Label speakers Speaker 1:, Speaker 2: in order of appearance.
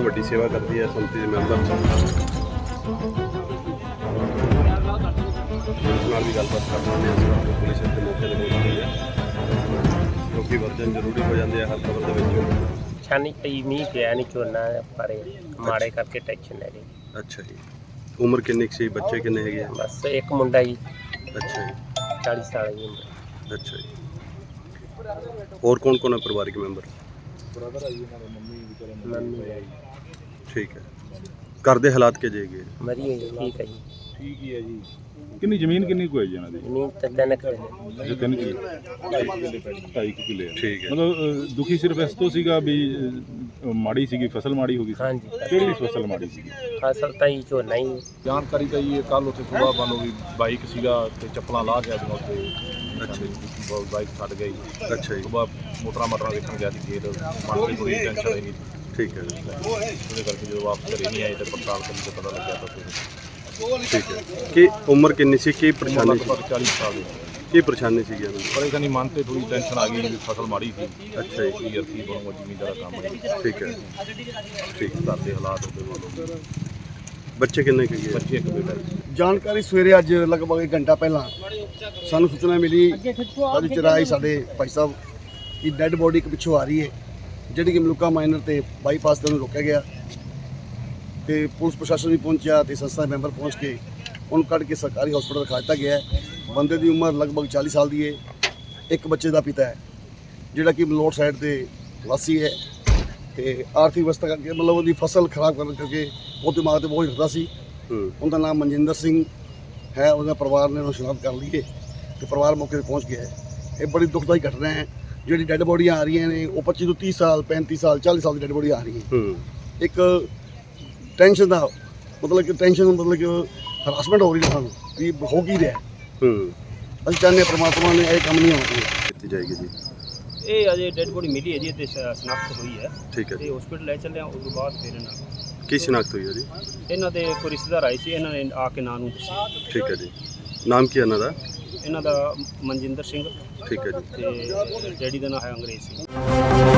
Speaker 1: ਵੱਡੀ ਸੇਵਾ ਕਰਦੀ ਹੈ ਸੰਮਤੀ ਦੇ ਮੈਂਬਰ ਪੁਲਿਸ ਨਾਲ ਵੀ ਗੱਲਬਾਤ ਕਰਦੇ ਹਾਂ। ਪੁਲਿਸ ਇੱਥੇ ਮੌਕੇ 'ਤੇ ਪਹੁੰਚਦੀ ਹੈ ਕਿਉਂਕਿ ਵਰਜਨ ਜ਼ਰੂਰੀ ਹੋ ਜਾਂਦੇ ਆ ਹਰ ਖਬਰ ਦੇ ਵਿੱਚ।
Speaker 2: ਛਾਨੀ ਪਈ ਮੀਂਹ ਪਿਆ ਨਹੀਂ ਝੋਨਾ ਪਰ ਮਾੜੇ ਕਰਕੇ ਟੈਨਸ਼ਨ ਲੈ ਗਈ।
Speaker 1: ਅੱਛਾ ਜੀ, ਉਮਰ ਕਿੰਨੀ ਕੁ ਸੀ, ਬੱਚੇ ਕਿੰਨੇ ਹੈਗੇ ਆ?
Speaker 2: ਬਸ ਇੱਕ ਮੁੰਡਾ ਜੀ,
Speaker 1: ਅੱਛਾ ਜੀ,
Speaker 2: 40 ਸਾਲ ਦੀ ਉਮਰ।
Speaker 1: ਅੱਛਾ ਜੀ। ਹੋਰ ਕੌਣ ਕੌਣ ਹੈ ਪਰਿਵਾਰਿਕ ਮੈਂਬਰ?
Speaker 3: ਬ੍ਰਦਰ ਆ ਜੀ ਇਹਨਾਂ ਦੇ, ਮੰਮੀ
Speaker 2: ਮੰਮੀ
Speaker 1: ਠੀਕ ਹੈ। ਘਰ ਦੇ ਹਾਲਾਤ ਕਿਹੋ ਜਿਹੇ ਹੈਗੇ?
Speaker 2: ਮਰੀ ਹੋਈ ਹੈ, ਠੀਕ ਹੈ ਜੀ।
Speaker 3: ਠੀਕ ਹੀ ਹੈ ਜੀ। ਕਿੰਨੀ ਜ਼ਮੀਨ ਕਿੰਨੀ ਕੁ ਹੈ ਜੀ ਇਹਨਾਂ ਦੀ?
Speaker 2: ਜ਼ਮੀਨ ਤਾਂ 3 ਕਿੱਲੇ।
Speaker 3: ਅੱਛਾ 3 ਕਿੱਲੇ, 2.5 ਕਿੱਲੇ।
Speaker 1: ਠੀਕ ਹੈ।
Speaker 3: ਮਤਲਬ ਦੁਖੀ ਸਿਰਫ ਇਸ ਤੋਂ ਸੀਗਾ ਵੀ ਮਾੜੀ ਸੀਗੀ, ਫਸਲ ਮਾੜੀ ਹੋ ਗਈ ਸੀ?
Speaker 2: ਹਾਂਜੀ,
Speaker 3: ਕਿਹੜੀ ਫਸਲ ਮਾੜੀ ਸੀਗੀ?
Speaker 2: ਫਸਲ ਤਾਂ ਹੀ ਝੋਨਾ ਹੀ।
Speaker 4: ਜਾਣਕਾਰੀ ਤਾਂ ਜੀ ਕੱਲ ਉੱਥੇ ਸੁਬਾਹ ਮੰਨ ਲਓ ਵੀ ਬਾਈਕ ਸੀਗਾ ਤੇ ਚੱਪਲਾਂ ਲਾਹ ਗਿਆ ਸੀ ਉੱਥੇ।
Speaker 1: ਅੱਛਾ ਜੀ,
Speaker 4: ਬਾਈਕ ਛੱਡ ਗਈ।
Speaker 1: ਅੱਛਾ ਜੀ,
Speaker 4: ਸੁਬਾਹ ਮੋਟਰਾਂ ਮਾਟਰਾਂ ਵੇਖਣ ਗਿਆ ਸੀ ਖੇਤ, ਮਨ ਦੀ ਕੋਈ ਟੈਨਸ਼ਨ ਨਹੀਂ।
Speaker 1: ਠੀਕ ਹੈ,
Speaker 4: ਉਹਦੇ ਕਰਕੇ ਜਦੋਂ ਵਾਪਸ ਘਰੇ ਨਹੀਂ ਆਏ ਤੇ ਪੜਤਾਲ ਕਰਨ ਤੇ ਪਤਾ ਲੱਗਿਆ ਤਾਂ ਫਿਰ
Speaker 1: ਠੀਕ ਹੈ। ਕੀ ਉਮਰ ਕਿੰਨੀ ਸੀ, ਕੀ ਪਰੇਸ਼ਾਨੀ ਸੀ,
Speaker 4: ਲਗਭਗ 40 ਸਾਲ ਦੀ।
Speaker 1: ਕੀ ਪਰੇਸ਼ਾਨੀ ਸੀਗੀ ਇਹਨਾਂ ਨੂੰ?
Speaker 4: ਪਰੇਸ਼ਾਨੀ ਮਨ ਤੇ ਥੋੜੀ ਟੈਨਸ਼ਨ ਆ ਗਈ ਵੀ ਫਸਲ ਮਾੜੀ ਸੀ।
Speaker 1: ਅੱਛਾ ਜੀ,
Speaker 4: ਕੀ ਅਰਥੀ ਬਣੂਗਾ ਜ਼ਮੀਨਦਾਰ ਦਾ ਕੰਮ ਹੈ।
Speaker 1: ਠੀਕ ਹੈ, ਠੀਕ।
Speaker 4: ਘਰ ਦੇ ਹਾਲਾਤ ਉਹਦੇ ਵੱਲੋਂ।
Speaker 1: ਬੱਚੇ ਕਿੰਨੇ ਕੁ ਹੈਗੇ?
Speaker 4: ਬੱਚੇ ਇੱਕ ਬੇਟਾ ਜੀ।
Speaker 5: ਜਾਣਕਾਰੀ ਸਵੇਰੇ ਅੱਜ ਲਗਭਗ 1 ਘੰਟਾ ਪਹਿਲਾਂ ਸਾਨੂੰ ਸੂਚਨਾ ਮਿਲੀ ਅੱਜ ਚਰਾਈ ਸਾਡੇ ਭਾਈ ਸਾਹਿਬ ਦੀ ਡੈੱਡ ਬੋਡੀ ਇੱਕ ਪਿੱਛੋਂ ਆ ਰਹੀ ਹੈ, ਜਿਹੜੀ ਕਿ ਮਲੂਕਾ ਮਾਈਨਰ ਤੇ ਬਾਈਪਾਸ ਤੇ ਉਹਨੂੰ ਰੋਕਿਆ ਗਿਆ ਤੇ ਪੁਲਿਸ ਪ੍ਰਸ਼ਾਸਨ ਵੀ ਪਹੁੰਚਿਆ ਤੇ ਸੰਸਥਾ ਦੇ ਮੈਂਬਰ ਪਹੁੰਚ ਕੇ ਉਹਨੂੰ ਕੱਢ ਕੇ ਸਰਕਾਰੀ ਹਸਪਤਾਲ ਰਖਾ ਦਿੱਤਾ ਗਿਆ ਹੈ। ਬੰਦੇ ਦੀ ਉਮਰ ਲਗਭਗ 40 ਸਾਲ ਦੀ ਹੈ। ਇੱਕ ਬੱਚੇ ਦਾ ਪਿਤਾ ਹੈ ਜਿਹੜਾ ਕਿ ਮਲੋਟ ਸਾਈਡ ਤੇ ਵਾਸੀ ਹੈ ਤੇ ਆਰਥਿਕ ਅਵਸਥਾ ਕਰਕੇ ਮਤਲਬ ਉਹਦੀ ਫਸਲ ਖਰਾਬ ਕਰਨ ਕਰਕੇ ਉਹ ਦਿਮਾਗ ਤੇ ਬੋਝ ਰੱਖਦਾ ਸੀ। ਉਹਦਾ ਨਾਮ ਮਨਜਿੰਦਰ ਸਿੰਘ ਹੈ। ਉਹਦਾ ਪਰਿਵਾਰ ਨੇ ਉਹਨੂੰ ਸ਼ਨਾਖਤ ਕਰ ਲਈ ਹੈ ਤੇ ਪਰਿਵਾਰ ਮੌਕੇ 'ਤੇ ਪਹੁੰਚ ਗਿਆ ਹੈ। ਇਹ ਬੜੀ ਦੁਖਦਾਈ ਘਟਨਾ ਹੈ। ਜਿਹੜੀ ਡੈੱਡ ਬੋਡੀਆਂ ਆ ਰਹੀਆਂ ਨੇ ਉਹ 25 ਤੋਂ 30 ਸਾਲ 35 ਸਾਲ 40 ਸਾਲ ਦੀ ਡੈੱਡ ਬੋਡੀ ਆ ਰਹੀ ਹੈ। ਇੱਕ ਟੈਨਸ਼ਨ ਦਾ ਮਤਲਬ ਕਿ ਹਰਾਸਮੈਂਟ ਹੋ ਰਹੀ ਹੈ ਸਾਨੂੰ ਵੀ ਹੋ ਕੀ ਰਿਹਾ। ਅਸੀਂ ਚਾਹੁੰਦੇ ਹਾਂ ਪ੍ਰਮਾਤਮਾ ਨੇ ਇਹ ਕੰਮ ਨਹੀਂ ਹੋਣਾ ਚਾਹੀਦਾ।
Speaker 1: ਕੀਤੀ ਜਾਏਗੀ ਜੀ।
Speaker 6: ਇਹ ਅਜੇ ਡੈਡ ਬੋਡੀ ਮਿਲੀ ਹੈ ਜੀ ਤੇ ਸ਼ਨਾਖਤ ਹੋਈ ਹੈ
Speaker 1: ਠੀਕ ਹੈ
Speaker 6: ਤੇ
Speaker 1: ਜੀ।
Speaker 6: ਹਸਪੀਟਲ ਲੈ ਚੱਲੇ ਆ। ਉਸ ਤੋਂ ਬਾਅਦ ਫਿਰ
Speaker 1: ਕੀ ਸ਼ਨਾਖਤ ਹੋਈ ਹੈ ਜੀ?
Speaker 6: ਇਹਨਾਂ ਦੇ ਕੋਈ ਰਿਸ਼ਤੇਦਾਰ ਆਏ ਸੀ, ਇਹਨਾਂ ਨੇ ਆ ਕੇ ਨਾਂ ਨੂੰ ਦੱਸਿਆ।
Speaker 1: ਠੀਕ ਹੈ ਜੀ। ਨਾਮ ਕੀ ਹੈ ਇਹਨਾਂ ਦਾ?
Speaker 6: ਇਹਨਾਂ ਦਾ ਮਨਜਿੰਦਰ ਸਿੰਘ
Speaker 1: ਠੀਕ ਹੈ ਜੀ।
Speaker 6: ਤੇ ਡੈਡੀ ਦਾ ਨਾਂ ਹੈ ਅੰਗਰੇਜ਼ ਸਿੰਘ।